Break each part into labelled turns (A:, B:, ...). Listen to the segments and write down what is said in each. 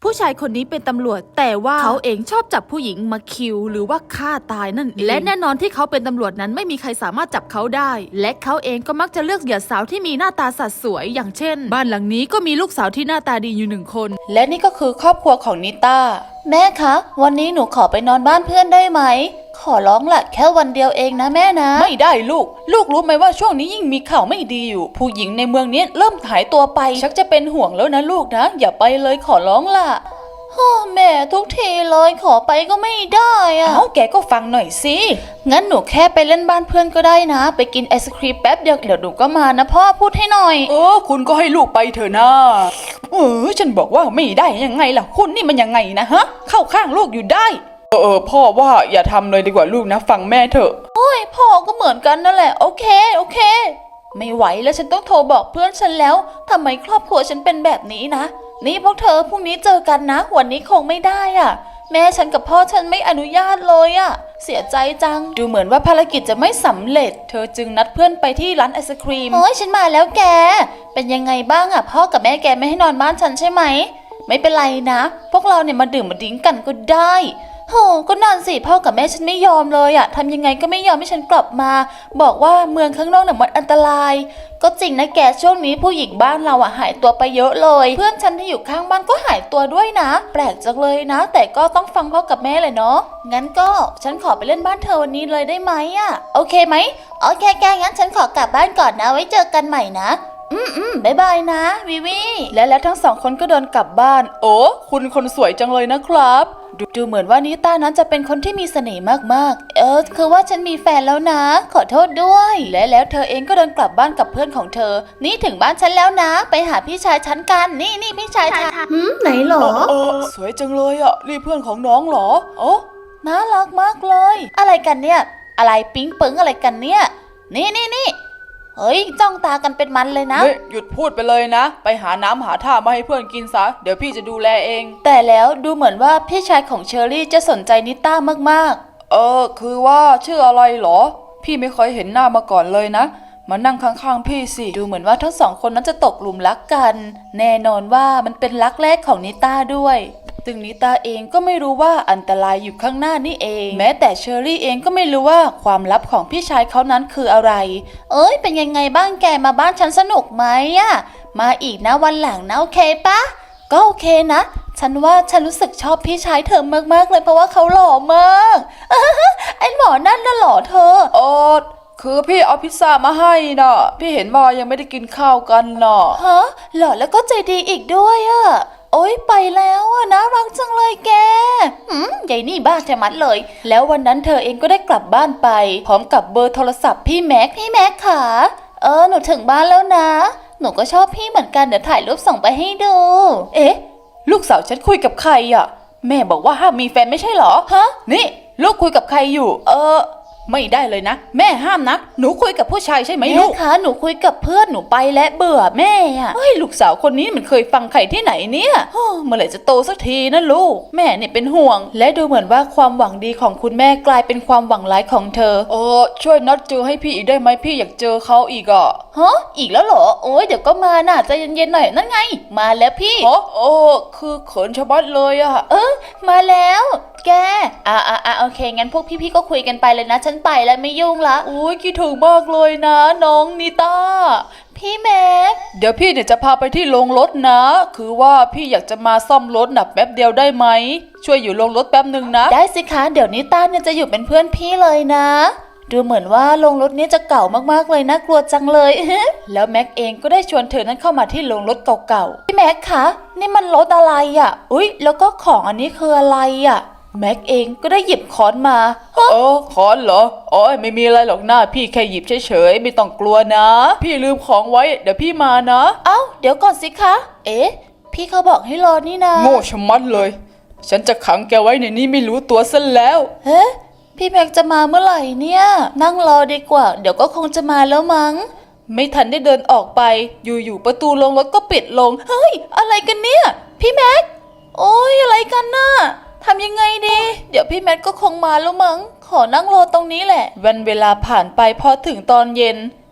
A: ผู้ชายคนนี้เป็นตำรวจแต่ว่าเขาเองชอบจับผู้หญิงมาคิวหรือว่าฆ่าตายนั่นเองและแน่นอนที่เขาเป็นตำรวจนั้นไม่มีใครสามารถจับเขาได้และเขาเองก็มักจะเลือกเหยื่อสาวที่มีหน้าตาสัดสวยอย่างเช่นบ้านหลังนี้ก็มีลูกสาวที่หน้าตาดีอยู่1 คนและนี่ก็คือครอบครัวของนิต้าแม่คะวันนี้หนูขอไปนอนบ้านเพื่อนได้ไหมขอร้องละแค่วันเดียวเองนะแม่นะไม่ได้ลูกรู้ไหมว่าช่วงนี้ยิ่งมีข่าวไม่ดีอยู่ผู้หญิงในเมืองนี้เริ่มหายตัวไปชักจะเป็นห่วงแล้วนะลูกนะอย่าไปเลยขอร้องล่ะแม่ทุกทีเลยขอไปก็ไม่ได้อะแกก็ฟังหน่อยสิงั้นหนูแค่ไปเล่นบ้านเพื่อนก็ได้นะไปกินไอศครีมแป๊บเดียวเดี๋ยวหนูก็มานะพ่อพูดให้หน่อย
B: คุณก็ให้ลูกไปเถอะนะฉันบอกว่าไม่ได้ยังไงล่ะคุณนี่มันยังไงนะฮะเข้าข้างลูกอยู่ได้พ่อว่าอย่าทำเลยดีกว่าลูกนะฟังแม่เถอะ
A: พ่อก็เหมือนกันนั่นแหละโอเคไม่ไหวแล้วฉันต้องโทรบอกเพื่อนฉันแล้วทำไมครอบครัวฉันเป็นแบบนี้นะนี่พวกเธอพรุ่งนี้เจอกันนะวันนี้คงไม่ได้อ่ะแม่ฉันกับพ่อฉันไม่อนุญาตเลยอ่ะเสียใจจังดูเหมือนว่าภารกิจจะไม่สำเร็จเธอจึงนัดเพื่อนไปที่ร้านไอศครีมฉันมาแล้วแกเป็นยังไงบ้างอ่ะพ่อกับแม่แกไม่ให้นอนบ้านฉันใช่ไหมไม่เป็นไรนะพวกเราเนี่ยมาดื่มมาดิ้งกันก็ได้ก็นานสิพ่อกับแม่ฉันไม่ยอมเลยอะทำยังไงก็ไม่ยอมให้ฉันกลับมาบอกว่าเมืองข้างนอกเนี่ยมันอันตรายก็จริงนะแกช่วงนี้ผู้หญิงบ้านเราอะหายตัวไปเยอะเลยเพื่อนฉันที่อยู่ข้างบ้านก็หายตัวด้วยนะแปลกจังเลยนะแต่ก็ต้องฟังพ่อกับแม่เลยเนาะงั้นก็ฉันขอไปเล่นบ้านเธอวันนี้เลยได้ไหมอะโอเคไหมโอเคแกงั้นฉันขอกลับบ้านก่อนนะไว้เจอกันใหม่นะบ๊ายบายนะวิวี
B: และทั้ง2 คนก็เดินกลับบ้านคุณคนสวยจังเลยนะครับ
A: ดูเหมือนว่านิต้านั้นจะเป็นคนที่มีเสน่ห์มากๆคือว่าฉันมีแฟนแล้วนะขอโทษด้วยแล้วเธอเองก็เดินกลับบ้านกับเพื่อนของเธอนี่ถึงบ้านฉันแล้วนะไปหาพี่ชายฉันกันนี่พี่ชายฉันไหนหรอ
B: สวยจังเลยอ่ะนี่เพื่อนของน้องหรอ
A: น่ารักมากเลยอะไรกันเนี่ยอะไรปิ๊งเปิงอะไรกันเนี่ยนี่เฮ้ยจ้องตากันเป็นมันเลยนะ
B: หยุดพูดไปเลยนะไปหาน้ำหาท่ามาให้เพื่อนกินซะเดี๋ยวพี่จะดูแลเอง
A: แต่แล้วดูเหมือนว่าพี่ชายของเชอรี่จะสนใจนิต้ามาก
B: ๆคือว่าชื่ออะไรหรอพี่ไม่เคยเห็นหน้ามาก่อนเลยนะมานั่งข้างๆพี่สิ
A: ดูเหมือนว่าทั้ง2 คนนั้นจะตกหลุมรักกันแน่นอนว่ามันเป็นรักแรกของนิต้าด้วยซึ่งนิต้าเองก็ไม่รู้ว่าอันตรายอยู่ข้างหน้านี่เองแม้แต่เชอรี่เองก็ไม่รู้ว่าความลับของพี่ชายเขานั้นคืออะไรเป็นยังไงบ้างแกมาบ้านฉันสนุกไหมอะมาอีกนะวันหลังนะโอเคปะก็โอเคนะฉันว่าฉันรู้สึกชอบพี่ชายเธอมากๆเลยเพราะว่าเขาหล่อมากไอ้หมอนั่นน่ะหล่อเธอ
B: คือพี่เอาพิซซ่ามาให้น่ะพี่เห็นว่ายังไม่ได้กินข้าวกันน่ะ
A: หล่อแล้วก็ใจดีอีกด้วยอะไปแล้วอะน่ารักจังเลยแกใหญ่นี่บ้าแท้มัดเลยแล้ววันนั้นเธอเองก็ได้กลับบ้านไปพร้อมกับเบอร์โทรศัพท์พี่แม็กค่ะหนูถึงบ้านแล้วนะหนูก็ชอบพี่เหมือนกันเดี๋ยวถ่ายรูปส่งไปให้ดู
B: ลูกสาวฉันคุยกับใครอ่ะแม่บอกว่าห้ามมีแฟนไม่ใช่เหรอนี่ลูกคุยกับใครอยู่ไม่ได้เลยนะแม่ห้ามนะหนูคุยกับผู้ชายใช่ไหมลูก
A: คะหนูคุยกับเพื่อนหนูไปและเบื่อแม่อะ
B: ลูกสาวคนนี้มันเคยฟังใครที่ไหนเนี่ยเมื่อไหร่จะโตสักทีนะลูกแม่เนี่ยเป็นห่วง
A: และดูเหมือนว่าความหวังดีของคุณแม่กลายเป็นความหวังร้ายของเธอ
B: ช่วยนัดเจอให้พี่อีกได้ไหมพี่อยากเจอเขาอีกอ่ะ
A: อีกแล้วเหรอเดี๋ยวก็มาน่ะใจเย็นๆหน่อยนั่นไงมาแล้วพี่
B: คือเขินชะมัดเลยอ่ะ
A: มาแล้วแกโอเคงั้นพวกพี่ๆก็คุยกันไปเลยนะฉันไปแล้วไม่ยุ่งละ
B: คิดถึงมากเลยนะน้องนิต้า
A: พี่แม็ก
B: เดี๋ยวพี่เนี่ยจะพาไปที่โรงรถนะคือว่าพี่อยากจะมาซ่อมรถแป๊บเดียวได้ไหมช่วยอยู่โรงรถแป๊บนึงนะ
A: ได้สิคะเดี๋ยวนิต้าเนี่ยจะอยู่เป็นเพื่อนพี่เลยนะดูเหมือนว่าโรงรถนี้จะเก่ามากๆเลยนะกลัวจังเลย แล้วแม็กเองก็ได้ชวนเธอนั้นเข้ามาที่โรงรถเก่าๆพี่แม็กคะนี่มันรถอะไรอ่ะแล้วก็ของอันนี้คืออะไรอ่ะแม็กเองก็ได้หยิบค้อนมา
B: ค้อนเหรอไม่มีอะไรหรอกนะพี่แค่หยิบเฉยๆไม่ต้องกลัวนะพี่ลืมของไว้เดี๋ยวพี่มานะ
A: เดี๋ยวก่อนสิคะพี่เขาบอกให้รอนี่นะ
B: โง่ชะมัดเลยฉันจะขังแกไว้ในนี้ไม่รู้ตัวซะแล้ว
A: พี่แม็กจะมาเมื่อไหร่เนี่ยนั่งรอดีกว่าเดี๋ยวก็คงจะมาแล้วมั้ง
B: ไม่ทันได้เดินออกไปอยู่ประตูโรงรถก็ปิดลง
A: เฮ้ยอะไรกันเนี่ยพี่แม็กอะไรกันน่ะทำยังไงดีเดี๋ยวพี่แม็กก็คงมาแล้วมั้งขอนั่งรอตรงนี้แหละ
B: วันเวลาผ่านไปพอถึงตอนเย็น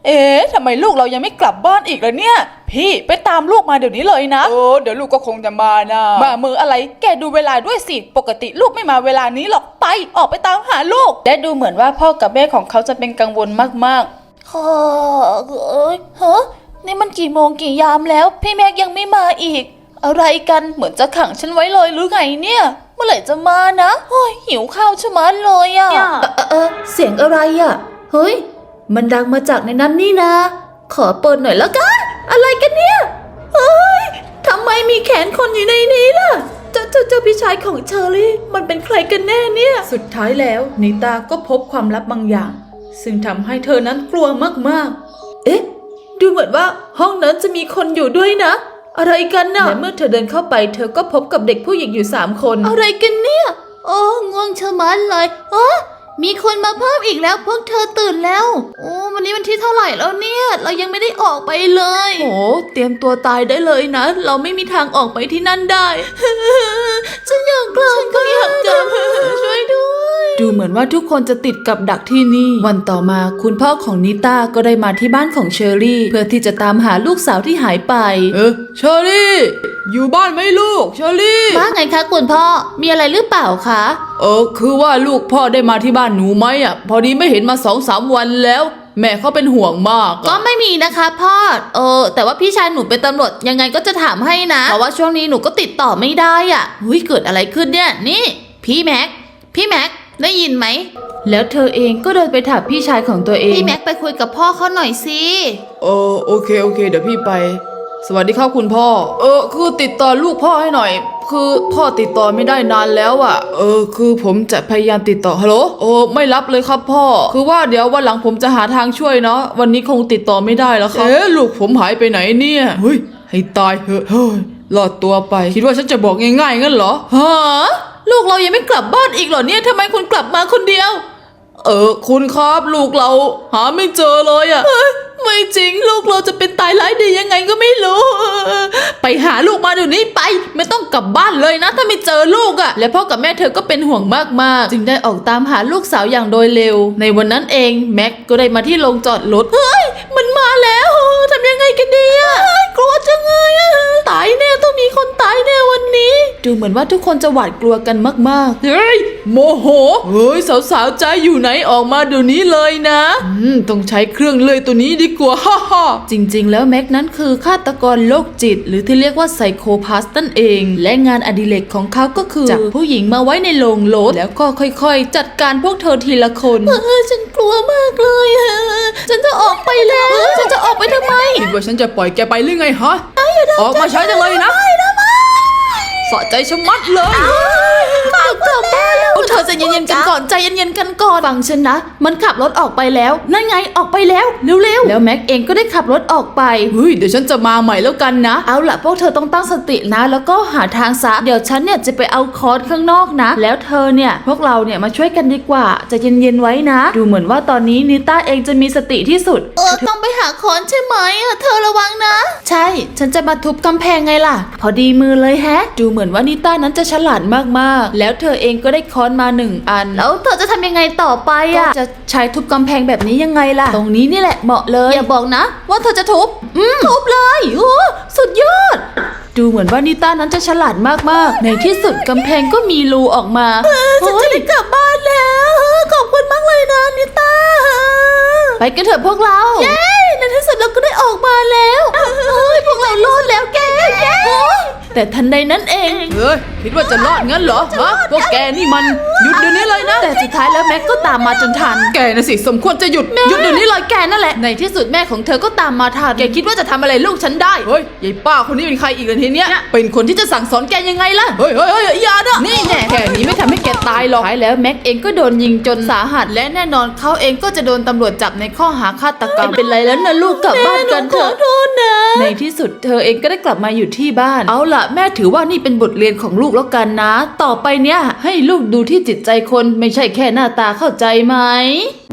B: เอ๊ะทำไมลูกเรายังไม่กลับบ้านอีกล่ะเนี่ยพี่ไปตามลูกมาเดี๋ยวนี้เลยนะเดี๋ยวลูกก็คงจะมานะมามืออะไรแกดูเวลาด้วยสิปกติลูกไม่มาเวลานี้หรอกไปออกไปตามหาลูกและดูเหมือนว่าพ่อกับแม่ของเขาจะเป็นกังวลมากๆ
A: ฮะนี่มันกี่โมงกี่ยามแล้ว พี่แม็กยังไม่มาอีก อะไรกันเหมือนจะขังฉันไว้เลยหรือไงเนี่ย เมื่อไหร่จะมานะโอ้ยหิวข้าวชะมัดเลยอะเสียงอะไรอะเฮ้ยมันดังมาจากในนั้นนี่นะ ขอเปิดหน่อยแล้วกันอะไรกันเนี่ยเฮ้ยทำไมมีแขนคนอยู่ในนี้ล่ะเจ้าพี่ชายของเชอรี่มันเป็นใครกันแน่เนี่ยสุดท้ายแล้วนิตาก็พบความลับบางอย่าง ซึ่งทำให้เธอนั้นกลัวมากๆเอ๊ะดูเหมือนว่าห้องนั้นจะมีคนอยู่ด้วยนะอะไรกันน่ะและเมื่อเธอเดินเข้าไปเธอก็พบกับเด็กผู้หญิงอยู่3 คนอะไรกันเนี่ยโอ้ง่วงชะมัดเลยมีคนมาเพิ่มอีกแล้วพวกเธอตื่นแล้วโอ้วันนี้วันที่เท่าไหร่แล้วเนี่ยเรายังไม่ได้ออกไปเลยโอ้เตรียมตัวตายได้เลยนะ เราไม่มีทางออกไปที่นั่นได้ ฉันอยากกลับฉันก็อยากกลับช่วยด้วยดูเหมือนว่าทุกคนจะติดกับดักที่นี่วันต่อมาคุณพ่อของนิต้าก็ได้มาที่บ้านของเชอรี่เพื่อที่จะตามหาลูกสาวที่หายไป
B: เชอรี่อยู่บ้านไหมลูกเชอรี่
A: ว่าไงคะคุณพ่อมีอะไรหรือเปล่าคะ
B: คือว่าลูกพ่อได้มาที่บ้านหนูไหมอ่ะพอดีไม่เห็นมา2-3 วันแล้วแม่เขาเป็นห่วงมาก
A: ก็ไม่มีนะคะพ่อแต่ว่าพี่ชายหนูเป็นตำรวจยังไงก็จะถามให้นะเพราะว่าช่วงนี้หนูก็ติดต่อไม่ได้อ่ะเกิดอะไรขึ้นเนี่ยนี่พี่แม็กได้ยินไหมแล้วเธอเองก็เดินไปถามพี่ชายของตัวเองพี่แม็กไปคุยกับพ่อเขาหน่อยสิ
B: โอเคเดี๋ยวพี่ไปสวัสดีครับคุณพ่อคือติดต่อลูกพ่อให้หน่อยคือพ่อติดต่อไม่ได้นานแล้วอ่ะคือผมจะพยายามติดต่อฮัลโหลไม่รับเลยครับพ่อคือว่าเดี๋ยววันหลังผมจะหาทางช่วยเนาะวันนี้คงติดต่อไม่ได้แล้วครับลูกผมหายไปไหนเนี่ยเฮ้ยให้ตายเถอะเฮ้ยรอดตัวไปคิดว่าฉันจะบอกง่ายๆงั้นเหรอฮะลูกเรายังไม่กลับบ้านอีกเหรอเนี่ยทำไมคุณกลับมาคนเดียวคุณครับลูกเราหาไม่เจอเลยอ่ะไม่จริงลูกเราจะเป็นตายร้ายดียังไงก็ไม่รู้ไปหาลูกมาเดี๋ยวนี้ไปไม่ต้องกลับบ้านเลยนะถ้าไม่เจอลูกอ่ะและพ่อกับแม่เธอก็เป็นห่วงมากๆจึงได้ออกตามหาลูกสาวอย่างโดยเร็วในวันนั้นเองแม็กก็ได้มาที่โรงจอดรถมันมาแล้วทำยังไงกันดีอ่ะกลัวจังเลยอ่ะตายแน่ต้องมีคนตายแน่วันนี้ดูเหมือนว่าทุกคนจะหวาดกลัวกันมากๆโมโหสาวๆใจอยู่ไหนออกมาเดี๋ยวนี้เลยนะต้องใช้เครื่องเลื่อยตัวนี้ดีกว่าจริงๆแล้วแม็กนั้นคือฆาตกรโรคจิตหรือที่เรียกว่าไซโคพาสนั่นเองและงานอดิเรกของเขาก็คือจับผู้หญิงมาไว้ในโรงรถแล้วก็ค่อยๆจัดการพวกเธอทีละคนฉันกลัวมากเลยฉันจะออกไปแล้วฉันจะออกไปทำไมคิดว่าฉันจะปล่อยแกไปหรือไงฮะออกมาใช้จังเลยนะสะใจชะมัดเลย
A: กลับบ้านแล้วเธอใจเย็นๆกันก่อนใจเย็นๆกันก่อนฟังฉันนะมันขับรถออกไปแล้วนั่นไงออกไปแล้วเร็วๆแล้วแม็กเองก็ได้ขับรถออกไป
B: เดี๋ยวฉันจะมาใหม่แล้วกันนะ
A: เอาล่ะพวกเธอต้องตั้งสตินะแล้วก็หาทางซะเดี๋ยวฉันเนี่ยจะไปเอาคอร์สข้างนอกนะแล้วเธอเนี่ยพวกเราเนี่ยมาช่วยกันดีกว่าใจเย็นๆไว้นะดูเหมือนว่าตอนนี้นิต้าเองจะมีสติที่สุดต้องไปหาคอร์สใช่ไหมเธอระวังนะใช่ฉันจะมาทุบกำแพงไงล่ะพอดีมือเลยแฮะดูเหมือนว่านิต้านั้นจะฉลาดมากๆแล้วเธอเองก็ได้ค้อนมา1 อันแล้วเธอจะทำยังไงต่อไปอ่ะจะใช้ทุบกำแพงแบบนี้ยังไงล่ะตรงนี้นี่แหละเหมาะเลยอย่าบอกนะว่าเธอจะทุบทุบเลยโอ้สุดยอดดูเหมือนว่านิต้านั้นจะฉลาดมากๆในที่สุดกำแพงก็มีรูออกมาฉันจะได้กลับบ้านแล้วขอบคุณมากเลยนะนิต้าไปกันเถอะพวกเราเย้ในที่สุดเราก็ได้ออกมาแล้วพวกเรารอดแล้วแกแต่ทันใดนั้นเอง
B: คิดว่าจะรอดงั้นเหรอฮะพวกแกนี่มันหยุดเดี๋ยวนี้เลยนะ
A: แต่สุดท้ายแล้วแม็กก็ตามมาจนทัน
B: แกน่ะสิสมควรจะหยุดเดี๋ยวนี้เลยแกนั่นแหละ
A: ในที่สุดแม่ของเธอก็ตามมาทัน
B: แกคิดว่าจะทำอะไรลูกฉันได้ยายป้าคนนี้เป็นใครอีกล่ะทีเนี้ยเป็นคนที่จะสั่งสอนแกยังไงล่ะอย่านะ
A: นี่แน่แค่นี้ไม่ทำให้แกตายหรอกท้ายแล้วแม็กเองก็โดนยิงจนสาหัสและแน่นอนเขาเองก็จะโดนตำรวจจับในข้อหาฆาตกรรมเป็นไรแล้วนะลูกกลับบ้านกันเถอะในที่สุดเธอเองก็ได้กลับมาอยู่ที่บ้านเอาล่ะแม่ถือว่านี่เป็นบทเรียนของลูกแล้วกันนะต่อไปเนี่ยให้ลูกดูที่จิตใจคนไม่ใช่แค่หน้าตาเข้าใจไหม